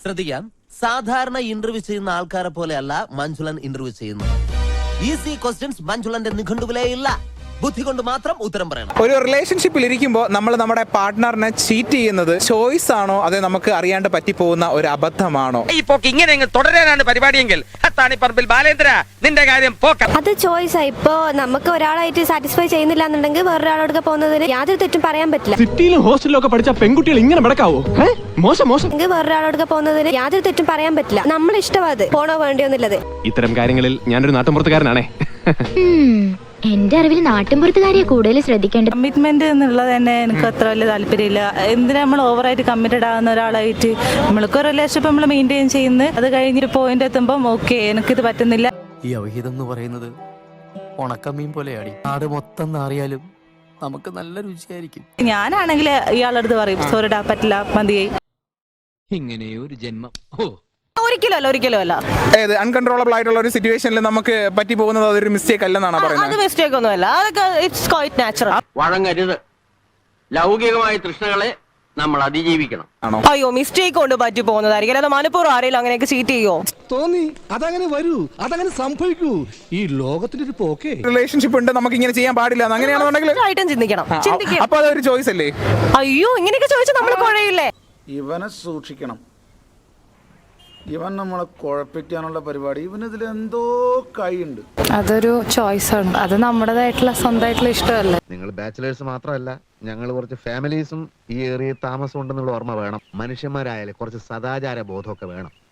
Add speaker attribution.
Speaker 1: ശ്രദ്ധിക്കാം, സാധാരണ ഇന്റർവ്യൂ ചെയ്യുന്ന ആൾക്കാരെ പോലെയല്ല മഞ്ജുളൻ ഇന്റർവ്യൂ ചെയ്യുന്നത്. ഈസി ക്വസ്റ്റ്യൻസ് മഞ്ജുളന്റെ നിഘണ്ടുവിലേ ഇല്ല. ബുദ്ധി കൊണ്ട് മാത്രം ഉത്തരം പറയണം.
Speaker 2: ഒരു റിലേഷൻഷിപ്പിൽ ഇരിക്കുമ്പോൾ നമ്മൾ നമ്മുടെ പാർട്ട്ണറിനെ ചീറ്റ് ചെയ്യുന്നത് ചോയ്സ് ആണോ അതോ നമുക്ക് അറിയാണ്ട് പറ്റിപ്പോകുന്ന ഒരു അബദ്ധമാണോ?
Speaker 3: ഈ പോക്ക് ഇങ്ങനെ തുടരാനാണ് പരിപാടിയെങ്കിൽ പറമ്പിൽ ബാലേന്ദ്ര നിന്റെ കാര്യം പോക്ക.
Speaker 4: അത് ചോയ്സാ. ഇപ്പോ നമുക്ക് ഒരാളായിട്ട് സാറ്റിസ്ഫൈ ചെയ്യുന്നില്ല എന്നുണ്ടെങ്കിൽ വേറൊരാളോട് പോകുന്നതിന് യാതൊരു തെറ്റും പറയാൻ പറ്റില്ല.
Speaker 5: സിറ്റിയിലും ഹോസ്റ്റലിലും ഒക്കെ പഠിച്ച പെൺകുട്ടികൾ ഇങ്ങനെ നടക്കാവോ? മോശം മോശം.
Speaker 4: വേറൊരാളോട് പോകുന്നതിന് യാതൊരു തെറ്റും പറയാൻ പറ്റില്ല. നമ്മൾ ഇഷ്ടമാത് പോണോ വേണ്ടിയൊന്നുള്ളത്.
Speaker 5: ഇത്തരം കാര്യങ്ങളിൽ ഞാനൊരു നാട്ടുമ്പുറത്തുകാരനാണേ.
Speaker 6: എന്റെ അറിവിൽ നാട്ടിൻപുറത്തുകാരിയെ കൂടുതൽ ശ്രദ്ധിക്കേണ്ടത്.
Speaker 7: കമ്മിറ്റ്മെന്റ് എന്നുള്ളത് തന്നെ എനിക്ക് അത്ര വലിയ താല്പര്യമില്ല. എന്തിനാ നമ്മൾ ഓവറായിട്ട് കമ്മിറ്റഡ് ആകുന്ന ഒരാളായിട്ട് നമ്മൾക്ക് ഒരു റിലേഷൻഷിപ്പ് നമ്മൾ മെയിൻറ്റെയിൻ ചെയ്യുന്നത്, അത് കഴിഞ്ഞൊരു പോയിന്റ് എത്തുമ്പോൾ ഓക്കെ എനിക്കിത് പറ്റുന്നില്ല.
Speaker 8: ഈ അവഹിതം എന്ന് പറയുന്നത് ഉണക്കമീൻ പോലെയാണ്. നാട് മൊത്തം അറിയാലും നമുക്ക് നല്ല രുചിയായിരിക്കും.
Speaker 7: ഞാനാണെങ്കിൽ ഇയാളുടെ അടുത്ത് പറയും സോറിടാ പറ്റില്ല മതിയായി.
Speaker 8: ഇങ്ങനെയൊരു ജന്മം
Speaker 7: ഒരിക്കലും അല്ല.
Speaker 2: അൺകൺട്രോളബിൾ ആയിട്ടുള്ള ഒരു സിറ്റുവേഷനിൽ നമുക്ക് പറ്റി പോകുന്നത് അതൊരു മിസ്റ്റേക്ക് അല്ലെന്നാണ് പറയുന്നത്.
Speaker 7: അത് മിസ്റ്റേക്ക് ഒന്നുമല്ല, അതൊക്കെ ഇറ്റ്സ് ക്വൈറ്റ് നാച്ചുറൽ.
Speaker 3: വഴങ്ങരുത്. ലൗകികമായ തൃഷ്ണകളെ നമ്മൾ അതിജീവിക്കണം.
Speaker 7: അയ്യോ മിസ്റ്റേക്ക് കൊണ്ട് പറ്റി പോകുന്നതായിരിക്കും. അത് മനഃപൂർവ്വം ആരെങ്കിലും അങ്ങനെയൊക്കെ ചീറ്റ് ചെയ്യോ?
Speaker 9: തോന്നി അതങ്ങനെ വരൂ, അതങ്ങനെ സംഭവിക്കൂ. ഈ ലോകത്തിന്റെ ഒരു പോക്കേ.
Speaker 2: റിലേഷൻഷിപ്പ് ഉണ്ട്, നമുക്ക് ഇങ്ങനെ ചെയ്യാൻ പാടില്ല, അങ്ങനെയാണെന്നുണ്ടെങ്കിൽ
Speaker 7: ചിന്തിക്കണം.
Speaker 2: അപ്പൊ അതൊരു ചോയ്സ് അല്ലേ?
Speaker 7: അയ്യോ ഇങ്ങനെയൊക്കെ ചോദിച്ചാൽ നമ്മൾ കുഴയില്ലേ?
Speaker 10: ഇവനെ സൂക്ഷിക്കണം. ഇവൻ നമ്മളെ കുഴപ്പിക്കാനുള്ള പരിപാടി, ഇവനിതിൽ എന്തോ കൈയുണ്ട്.
Speaker 7: അതൊരു ചോയ്സാണ്, അത് നമ്മുടേതായിട്ടുള്ള സ്വന്തമായിട്ടുള്ള ഇഷ്ടമല്ലേ.
Speaker 11: നിങ്ങൾ ബാച്ചിലേഴ്സ് മാത്രമല്ല, ഞങ്ങൾ കുറച്ച് ഫാമിലീസും ഈ ഏറിയ താമസം ഉണ്ടെന്നുള്ള ഓർമ്മ വേണം. മനുഷ്യന്മാരായാലും കുറച്ച് സദാചാര ബോധമൊക്കെ വേണം.